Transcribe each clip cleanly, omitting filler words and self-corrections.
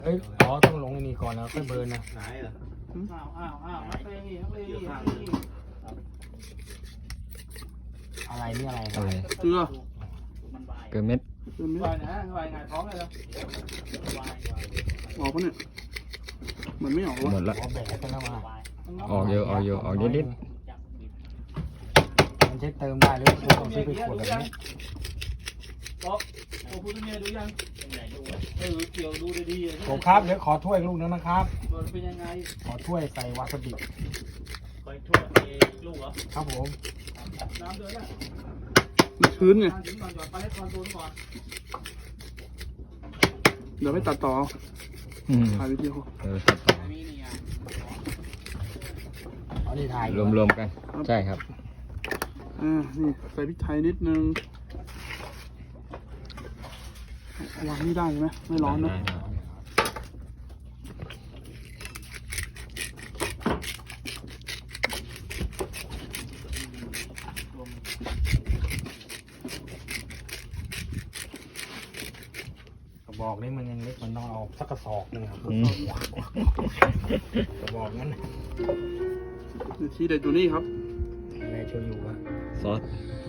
เอ้ยอ๋อต้องลงไอ้นี่ก่อนแล้วค่อยเบิร์นนะไหนเหรออะไรนี่อะไรอะไรเกลือเกลือเม็ดเกลือเม็ดวายนะวายไงท้องเลยเหรอออกปะเนี่ยมันไม่ออกหมวะดละขอแบกกันแล้วมาออกเยอะออกเยอะออกนิดมันใช้เติมได้หรือต้องซื้อไปขวดแบบนี้บอกโอ้คุณเมียดูยังเกี่ยวดูดีๆผมครับเดี๋ยวขอถ้วยลูกนึงนะครับมันเป็นยังไงขอถ้วยใส่วาซาบิคอยทั่วลูกเหรอครับผมน้ำเดือดแล้วมันชื้นไงถึงก่อนหยอดไปให้คอนโทรลก่อนเดี๋ยวไปตัดต่ออืมถ่ายวิดีโอตัดต่อมีนี่อ่ะเอานี่ถ่ายรวมๆกัน ใช่ครับนี่ใส่พริกไทยนิดนึงวางนี่ได้ใช่ไหมไม่ร้อนนะได้กระบอกนี่มันยังเล็กมันต้องเอาสักกระสอบหนึงครับอืมกระบอกนั้นทีเด็ดอยู่นี่ครับอะไรช่วยอยู่วะซอส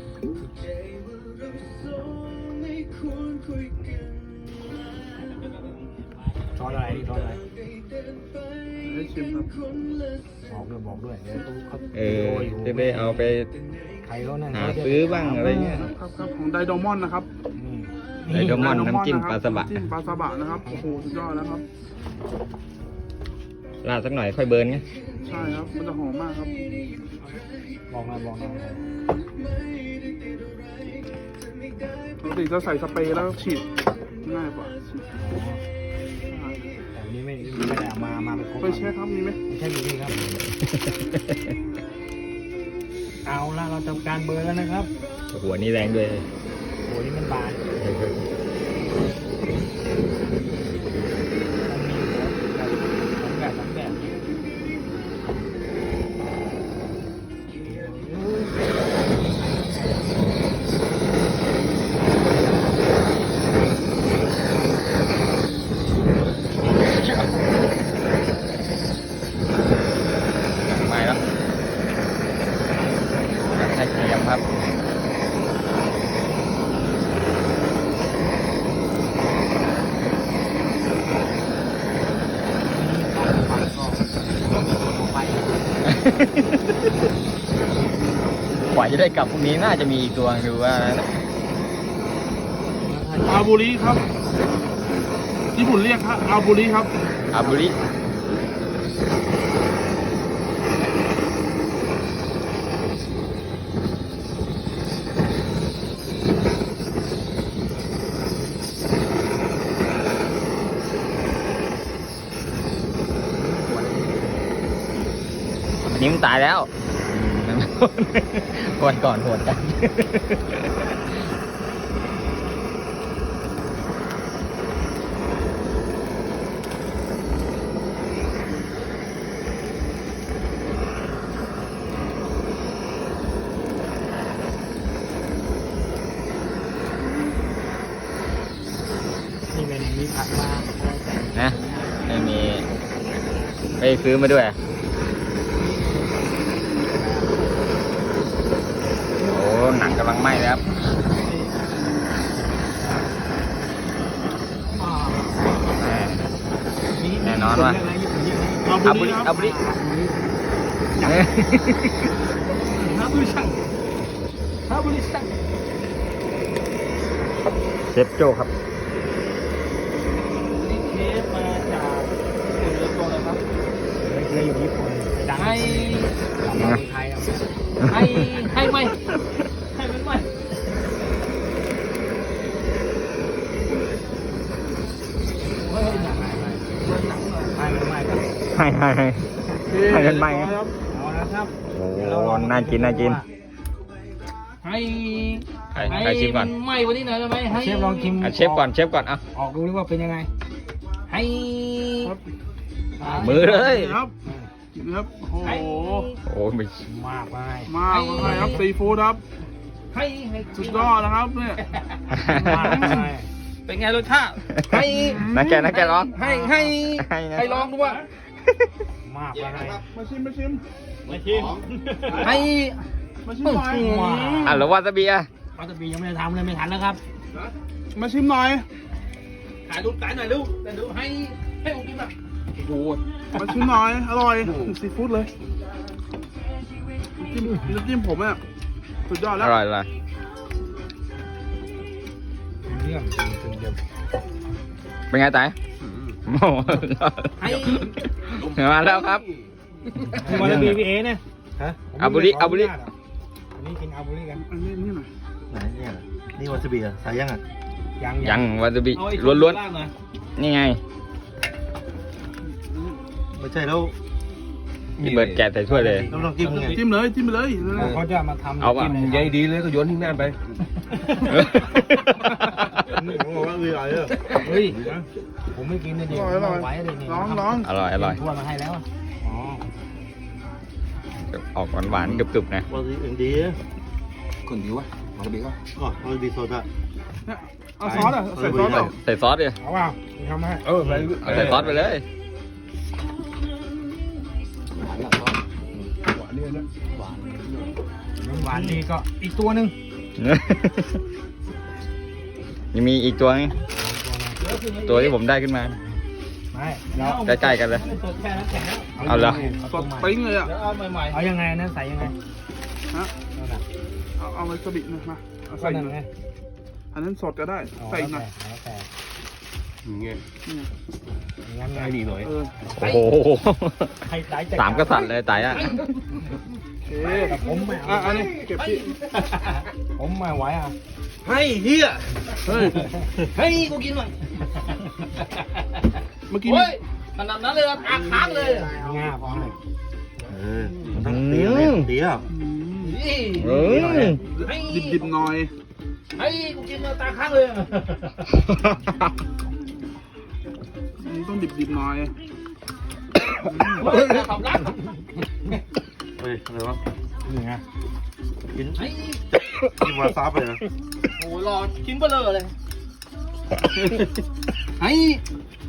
ซอสอะไรนี่ซอสอะไรให้ชิมครับบอกด้วยเดี๋ยวตู้เขาจะได้เอาไปใครเขานั่นหาซื้อบ้างอะไรเงี้ยครับของไดโดมอนนะครับอืมไดโดมอนน้ำจิ้มปลาสบะน้ำจิ้มปลาสบะนะครับโอ้โหสุดยอดแล้วครับราดสักหน่อยค่อยเบิร์นไงใช่ครับมันจะหอมมากครับบอกหน่อยปกติจะใส่สเปรย์แล้วฉีดง่ายกว่าฉีดแต่วันนี้ไม่ได้เอามาเป็นครบไปเช็คครับมีไหมไม่ใช่อยู่นี่ครับ เอาละเราทำการเบิร์นแล้วนะครับหัวนี่แรงด้วยโอ้นี่มันบานมันมีแบบสองแบบไม่แล้วใช้เทียมครับกว่าจะได้กลับพรุ่งนี้น่าจะมีอีกตัวคือว่านะอาบุริครับญี่ปุ่นเรียกครับอาบุริครับอาบุริอันนี้มันตายแล้ววันก่อนโหดจังนี่เป็นมีผักมานะไม่มีไปซื้อมาด้วยโอ้หนังกำลังไหม้เลยครับแน่นอนว่าอาบุริครับอาบุริฮาบุริชังฮาบุริชังเชฟโจ้ครับนี่เทปมาจากเรือตัวเลยครับเคยอยู่ญี่ปุ่นดังให้ในไทยให้ไหมให้มันไหมเฮ้ยหนักไม่ครับให้กันไหมครับเอาละครับโอ้น่ากินน่ากินให้ให้ชิมก่อนไหมวันนี้หน่อยได้ไหมให้เชฟลองชิมเชฟก่อนเชฟก่อนเอาออกดูดิว่าเป็นยังไงให้ครับมือเลยครับครับโอ้โหโอ้ไม่มากไปมากเลยครับซีฟู้ดครับให้สุดยอดนะครับเนี่ยมากไปเป็นไงรสชาติให้นักแกร้องให้ลองดูว่ามากอะไรมาชิมไม่ชิมให้ มาชิมหน่อยอ่ะแล้ววาซาบิอ่ะวาซาบิยังไม่ได้ทำเลยไม่ทันแล้วครับมาชิมหน่อยถ่ายรูปถ่ายหน่อยลูกแต่ดูให้ผมกินแบบโอ้โหมาชิมหน่อย อร่อยซีฟู้ดเลยน้ำจิ้มผมอ่ะสุดยอดอแล้วร่อยเลยเรื่องจริงๆเดียวเป็นไงไต่โอ้โห มาแล้วครับวาซาบิพี่เอเนี่ยฮะอาบุริอันนี้กินอาบุริกันอันนี้นี่หน่อยไหนเนี่ยนี่วาซาบิอะใส่ยังอ่ะยังวาซาบิเอาไอ้ล้วนล่างหน่อยๆ นี่ไงไม่ใช่แล้วพี่เบิร์ดแกะใส่ถ้วยเลยต้องลองจิ้มไงจิ้มเลยจิ้มไปเลยเขาจะมาทำเอาป่ะใหญ่ดีเลยโอ้โหว่าอร่อยเลยเฮ้ยผมไม่กินเลยดิไหวเลยนี่ร้องอร่อยทั่วมาให้แล้วอ๋อออกหวานๆกรึบๆนะวาซาบิเอ็นดีคนดีวะมาบีก็อ๋อวาซาบิโซดาเอาซอสอ่ะใส่ซอสเหรอใส่ซอสดิเอาเปล่าทำให้เอาใส่ซอสไปเลยหวานดีก็อีกตัวหนึ่งยังมีอีกตัวนึงตัวที่ผมได้ขึ้นมาไม่เราใกล้ๆกันเลยไม่สดแค่นั้นแข็งแล้วเอาเหรอสดปิ้งเลยอ่ะเดี๋ยวเอาใหม่เอายังไงนั่นใส่ยังไงฮะนั่นน่ะเอาวาซาบิหน่อยมาเอาใส่ใส่ยังหน่ไงอยอันนั้นสดก็ได้ ใส่หน่อยแล้วแต่เงี้ยนี่ไงงั้นไงดีหน่อยเออโอ้โหให้ไต่จัดสามกษัตริย์เลยไต่อะโอเคแต่ผมไม่เอาอันนี้เก็บที่ผมไม่ไหวอ่ะให้เฮียเฮ้ยๆให้กูกินหน่อยเมื่อกี้โอ้ยขนาดนั้นเลยอ่ะปากค้างเลยง่าพร้อมเลยมันต้องเตี้ยเลยเตี้ยอืมนี่เอ้ยให้ดิบๆหน่อยให้กูกินเลยตาค้างเลยอันนี้ต้องดิบๆหน่อยเฮ้ยขับรักเฮ้ยอะไรวะนี่ไงกินให้กินวาซาบิเลยนะโอ้ยรอชิ้นเบลอเลยให้